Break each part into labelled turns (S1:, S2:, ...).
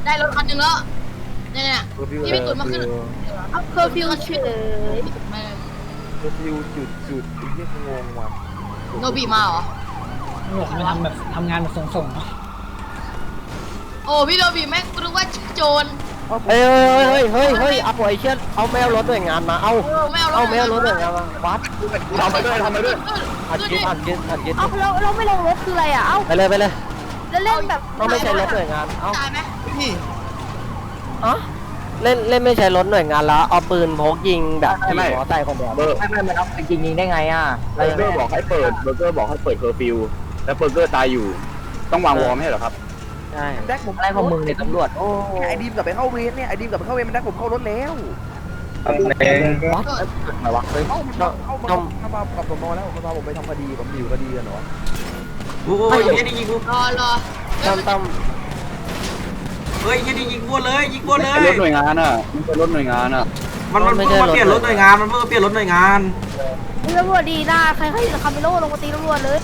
S1: ได้รถคันหนึ่งแล้วเนี่ยพี่พี่ตุ่นมาขึ้น
S2: เอาเคอร์ฟิวเฉย
S1: ไม่
S3: เคอร์ฟิวจุดไอ้เหี้ยงงว่ะ
S1: โนบีมาเหรอ
S4: ตำรวจมันทำงานแบบส่งๆเนาะ
S1: โอ้พี่โนบีแม่งรู้ว่าโจร
S5: เฮ้ยเอาไอ้เชี่ยเอาแมวรถหน่วยงานมาเอา
S1: ไม่เอา
S5: เอาแมวรถหน่วยงานมาวัด
S3: ทำไปด้วยอัดยึด
S2: เอาเราไม่ลงรถคืออะไรอ่ะ เอา
S5: ไปเลย
S2: แล้วเล่นแบบ
S5: ต้องไม่ใช่รถหน่วยงานเอา
S1: ตายไหม
S5: อ๋อเล่นไม่ใช่รถหน่วยงานแล้วเอาปืนพกยิงแบบขี่มอใส่คนเดียว
S6: ไม่มันเอาไปจริงยิงได้ไงอ่ะ
S3: เบอร์เกอร์บอกให้เปิดเคอร์ฟิวแล้วเบอร์เกอร์ตายอยู่ต้องวางวอร์มให้เหรอครับ
S5: ใช่
S6: แดกผมอะไรของมึงเนี่ยตำรวจโอ้
S7: ไอ้ดีมกลับไปเข้าเวรเนี่ยไอ้ดีมกลับไปเข้าเวรมันได้ผมเข้ารถแล้ว
S5: วัด
S6: อะไรวะ
S7: เฮ้ยเข้ามากับสมอแล้วมาผมไปทำคดีผมอยู่คดีกันเหรอ
S8: โอ้ยยิงยิงกู
S1: รอ
S5: ตั้ม
S8: เฮ้ยยิงกูเลยยิงกูเลย
S3: รถหน่วยงานอ่ะมันเป็นรถหน่วยงานอ่ะ
S8: มันเพิ่งมาเปลี่ยนรถหน่วยงานมันเพิ่งมาเปลี่ยนรถหน่วยงาน
S2: ตำรวจดีนะใครจะคาเมโลลงมาตีตำรวจเลย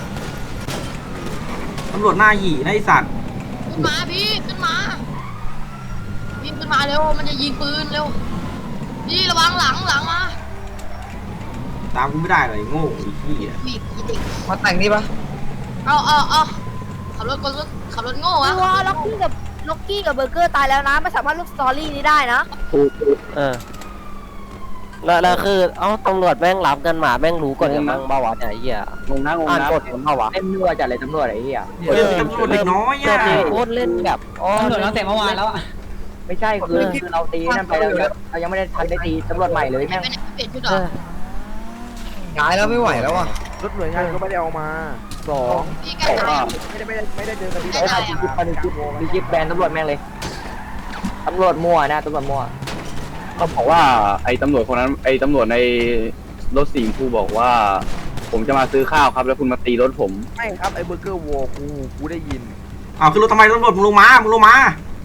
S8: ตำรวจหน้าหยีนะไอสัตว์
S1: ขึ้นมาพี่ขึ้นมาพี่ขึ้นมาเร็วมันจะยิงปืนเร็วพี่ระวังหลังมา
S8: ตามกูไม่ได้เลยโง่ไอ้ขี้อ่ะ
S1: พี่เด็ก
S6: มาแต่งนี่ปะ
S1: เอาขับรถโง่อะ
S2: ตัวล็อกกี้กับเบอร์เกอร์ตายแล้วนะไม่สามารถลูกสตอรี่นี้ได้นะ
S5: แล้วคือเอ้าตำรวจแม่งรับกันมาแม่งรู้กฎกันบ้างเบาหวานไอ้เหี้ย
S3: งงนะ
S5: อ่านกฎกันเบาหวาน
S6: เล่นนัวจัดเลยตำรวจไอ้เหี้ย
S8: ตำรวจเด็กน้อย
S5: เจ้า
S8: อ่ะ
S5: ที่โคตรเล่นแบบ
S4: ตำรวจตั้งแต่เมื่อวานแล้วอะ
S6: ไม่ใช่คือเราตีนั่นไปเรายังไม่ได้ทันได้ตีตำรวจใหม่เลย
S1: ไม่
S6: แม่ง
S1: เป็นเปลี่ยนชุดหรอ
S6: ย้ายแล้วไม่ไหวแล้วอ่ะ
S7: รถหน่วยงานก็ไม่ได้เอามาสอง
S1: พี่แกตาย
S7: ไม่ได้เจอคดี
S6: ไอ้ทำมีคลิปแบนตำรวจแม่งเลยตำรวจมั่วนะตำรวจมั่ว
S3: เขาบอกว่าไอ้ตำรวจคนนั้นไอ้ตำรวจในรถสีชมพูบอกว่า ผมจะมาซื้อข้าวครับแล้วคุณมาตีรถผม
S7: ไม่ครับไอ้เบอร์เกอร์วอลกูได้ยิน
S8: เอาขึ้นรถทำไมตำรวจมึงลงมามึงลงมา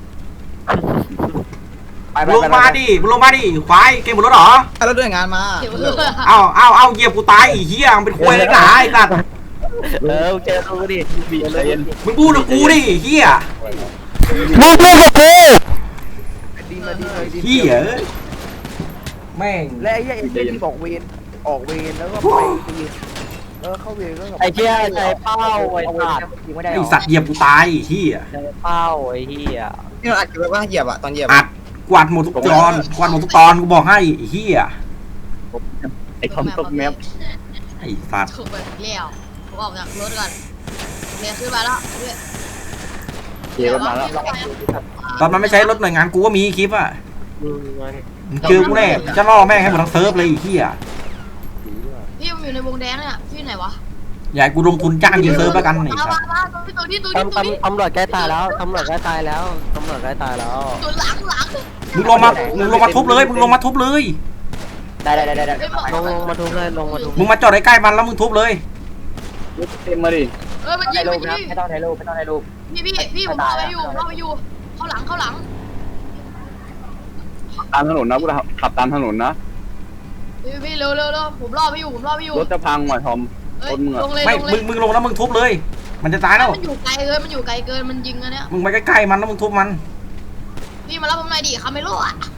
S8: ควายเกมบนรถเหรอ
S6: แล้วด้วยงานมา
S8: เอาเหยียบกูตายอีเหี้ยมึงเป็นควายเลยหนาไอ้สัตว์
S5: เจอกูดิ
S8: มึงพูดกับกูดิเหี้ย
S5: มึงพูดกับกู
S7: ดีมาดี
S8: เหี้ยแม่ง
S7: และไอ้เหี้ยที่ออกเวรแล้วก็ไปตีเข้าเวรก็
S5: ไอ้เชี่ยใจเป้าไอ้สัตว์
S6: ยิงไม่ได้
S8: ไอ้สัตว์เหยียบกูตายไอ้เหี้ย
S5: ใจเป้าไอ้เหี้ย
S6: ที่เราอัดกันไปว่าเหยียบอะตอนเหยียบ
S8: อัดกวาดหมดทุกตอนกูบอกให้ไอ้เหี้ย
S3: ไอ้คอมตกแมป
S8: ไอ้สัตว์
S1: ถูกไปเลี้ยวผมออกจากรถก่อนเลี้ยวขึ้นมาแล้ว
S3: เกียร์รถมาแล้ว
S8: ตอนมันไม่ใช้รถหน่วยงานกูก็มีคลิปอ่ะเจอกูแน่จะล่อแม่งให้หมดทั้งเซิร์ฟเลยไอ้เหี้ย
S1: พี่มันอยู่ในวงแดงเนี่ยพี่ไหนวะ
S8: อย่ากูลงทุนจ้างยิงเซิร์ฟแล้วกันไอ้สัตว์
S1: มาตัวนี้
S5: ตำรวจใกล้ตายแล้วตำรวจใกล้ตายแล้ว
S1: ตัวหลัง
S8: มึงลงมาทุบเลย
S6: ได้
S5: ลงมาทุบเลย
S8: มึงมาจอดใกล้ๆมันแล้วมึงทุบเลย
S3: เต็มมาดิ
S1: มันยิ
S6: ถ่าย
S1: ง
S6: รูปนะไม่ต้องถ่ายรูป
S1: พี่ผมรอไปอยู่เข้าหลัง
S3: ตามถนนนะกูขับตามถนนนะ
S1: พี่เร็วผมรอไปอยู่
S3: รถจะพังว่ะทอมรถมึงอะ
S1: ลงเลย
S8: ไม่มึงลงแล้วมึงทุบเลย มันจะตายแล้ว
S1: มันอยู่ไกลเกินมันยิงอันเนี้ย
S8: มึงไปใกล้ๆมันแล้วมึงทุบมัน
S1: พี่มารับผมหน่อยดิคาเมโล่อะ